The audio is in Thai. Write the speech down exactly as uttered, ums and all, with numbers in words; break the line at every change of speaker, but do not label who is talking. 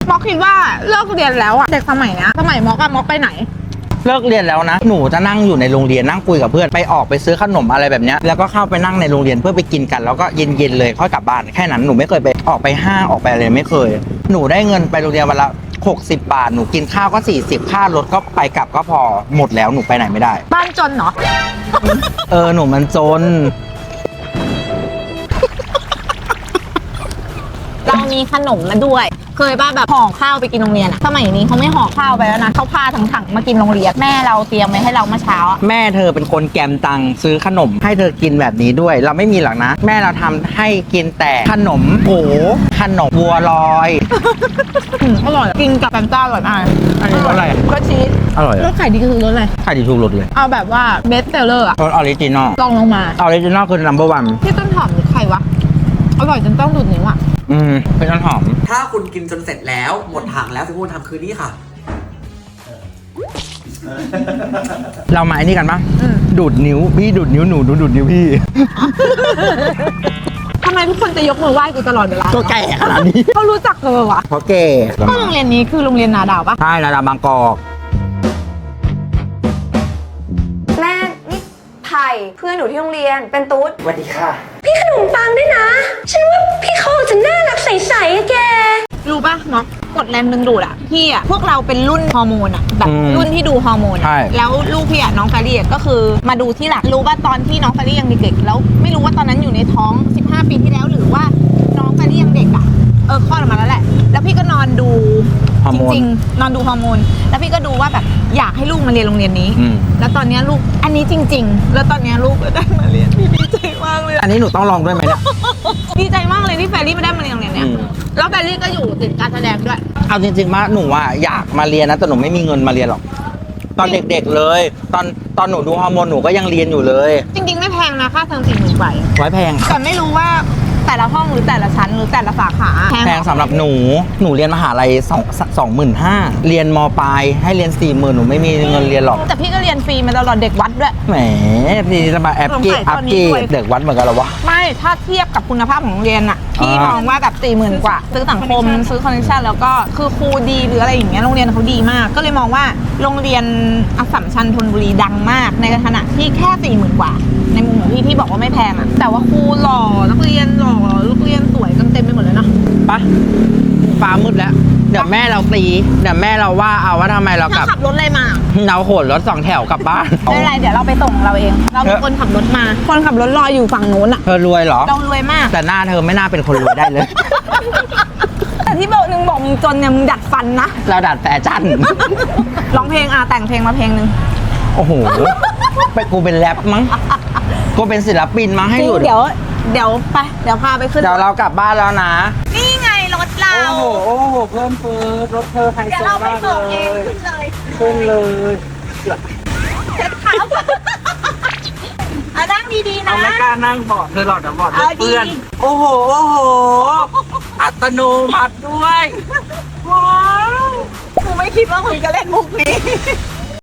ม็อกคิดว่าเลิกเรียนแล้วอะเด็กสมัยเนี้ยสมัยม็อกอะม็อกไปไหน
เลิกเรียนแล้วนะหนูจะนั่งอยู่ในโรงเรียนนั่งคุยกับเพื่อนไปออกไปซื้อขนมอะไรแบบนี้แล้วก็เข้าไปนั่งในโรงเรียนเพื่อไปกินกันแล้วก็เย็นๆเลยค่อยกลับบ้านแค่นั้นหนูไม่เคยไปออกไปห้างออกไปอะไรไม่เคยหนูได้เงินไปโรงเรียนวันละหกสิบบาทหนูกินข้าวก็สี่สิบค่ารถก็ไปกลับก็พอหมดแล้วหนูไปไหนไม่ได้
บ้านจนเหรอ
เออหนูมันจน
เรามีขนมมาด้วยเคยป่ะแบบห่อข้าวไปกินโรงเรียนอะสมัยนี้เขาไม่ห่อข้าวไปแล้วนะเขาพาถังๆมากินโรงเรียนแม่เราเตรียมไว้ให้เราเมื่อเช้า
แม่เธอเป็นคนแกมตังซื้อขนมให้เธอกินแบบนี้ด้วยเราไม่มีหรอกนะแม่เราทำให้กินแต่ขนมโผขนมบัวลอย
อร่อยกินกับแฟนต้าอร่อยมาก
อันนี้รสอะไร
รสชีส
อร่อย
รสไข่ดีคือรสอะไร
ไข่ดีทุกรสเลย
เอาแบบว่าเบสเซลเลอร์อะ
รสออริจินอล
ลองลงมา
ออริจินอลคือ นัมเบอร์ วัน
ที่ต้นหอมหรือใครวะอร่อยจนต้องดูดนิ้วอะ
อืมเป็นต้นหอม
ถ้าคุณกินจนเสร็จแล้วหมดถังแล้วสิ่งที่คุณทำคือนี่ค่ะ
เรามาไอ้นี่กันปะดูดนิ้วพี่ดูดนิ้วหนูดูดนิ้วพี่
ทำไมทุกคนจะยกมือไหว้กูตลอดเวลา
ตัวแก่ขนาดนี้
เขารู้จักเลยวะ
เพราะแก่
ก็โรงเรียนนี้คือโรงเรียนนาดาวปะ
ใช่นาดาวบางกอก
แม่นี่ไผ่เพื่อนหนูที่โรงเรียนเป็นตุ๊ด
สวัสดีค่ะ
พี่ขนมปังด้วยนะฉันว่าพี่เขาจะน่ารักใสๆอะแก
รู้ปะเนาะกดแรงดึงดูดอะพี่อะพวกเราเป็นรุ่นฮอร์โมนอะแบบรุ่นที่ดูฮอร์โมนแล้วลูกพี่อะน้องแฟรี่ก็คือมาดูที่หลังรู้ว่าตอนที่น้องแฟรี่ยังเด็กๆแล้วไม่รู้ว่าตอนนั้นอยู่ในท้องสิบห้าปีที่แล้วหรือว่าน้องแฟรี่ยังเด็กอะเออคลอดออกมาแล้วแหละแล้วพี่ก็นอนดูจริงๆนอนดูฮอร์โมนแล้วพี่ก็ดูว่าแบบอยากให้ลูกมาเรียนโรงเรียนนี้แล้วตอนนี้ลูกอันนี้จริงๆแล้วตอนนี้ลูกก็ได้มาเรียนพี่ดีใจมากเลย
อันนี้หนูต้องลองด้วยไหมเนี่ย
ดีใจมากเลยที่แฟรี่มาได้มาเรียนโรงเรียนเนี้ยแล้วแฟรี่ก็อยู่ติดการแสดงด้วย
เอาจริงๆมาหนูว่าอยากมาเรียนนะแต่หนูไม่มีเงินมาเรียนหรอกตอนเด็กๆเลยตอนตอนหนูดูฮอร์โมนหนูก็ยังเรียนอยู่เลย
จริงๆไม่แพงนะค่าเทอมสี่หมื่นกว่า
ไว้แพง
แต่ไม่รู้ว่าแต่ละห้องหรือแต่ละชั้นหรือแต่ละสาขา
แพงสำหรับหนูหนูเรียนมหาลัยสองสองหมื่นห้าเรียนมปลายให้เรียนสี่หมื่นหนูไม่มีเงินเรียนหรอก
แต่พี่ก็เรียนฟรีมาตลอดเด็กวัดด้วย
แหมพี่จะมาแอปกี้อัพกี้เด็กวัดเหมือนกันหรอวะ
ไม่ถ้าเทียบกับคุณภาพของโรงเรียนอะพี่มองว่าแบบสี่หมื่นกว่าซื้อสังคมซื้อคอนเนคชั่นแล้วก็คือครูดีหรืออะไรอย่างเงี้ยโรงเรียนเขาดีมากก็เลยมองว่าโรงเรียนอัสสัมชัญธนบุรีดังมากในขณะที่แค่สี่หมื่นกว่าในมุมของพี่พี่บอกว่าไม่แพงอะแต่ว่าครูหล่อนักเรียนหล่อลูกเรียนสวยกันเต็มไปหมดเลยเนาะ
ปะฟ้ามืดแล้วเดี๋ยวแม่เราตีเดี๋ยวแม่เราว่าเอาว่าทำไมเรากลับ
ขับรถอะไรมา
เราโหนรถสองแถวกลับบ้าน
ไม่เป็นไรเดี๋ยวเราไปส่งเราเองเราเป็นคนขับรถมาคนขับรถรออยู่ฝั่งนู้นอะ
เธอรวยเหรอ
เรารวยมาก
แต่หน้าเธอไม่น่าเป็นคนรวยได้เลย
แต่ที่บอกนึงบอกมึงจนเนี่ยมึงดัดฟันนะ
เราดัดแฟชั่น
ร้องเพลงอ่ะแต่งเพลงมาเพลงนึง
โอ้โหไปกูเป็นแรปมั้งกูเป็นศิลปินมั้งให้อยู่
เดี๋ยวเดี๋ยวไปเดี๋ยวพาไปขึ้น
เดี๋ยวเรากลับบ้านแล้วนะ
นี่ไงรถเรา
โอ้โหโอ้โหเพิ่มเฟิร์รถเธอไฮโซมากเลยขึ้นเลย
เจ็บขาเอานั่งดีๆนะ
เอาไม่กล้านั่งเบาะเธอหลอดเดี๋ยวเบาะเพื่อนโอ้โหโอ้โหอัตโนมัติด้วย
ว้าวกูไม่คิดว่ามึงจะเล่นมุกนี้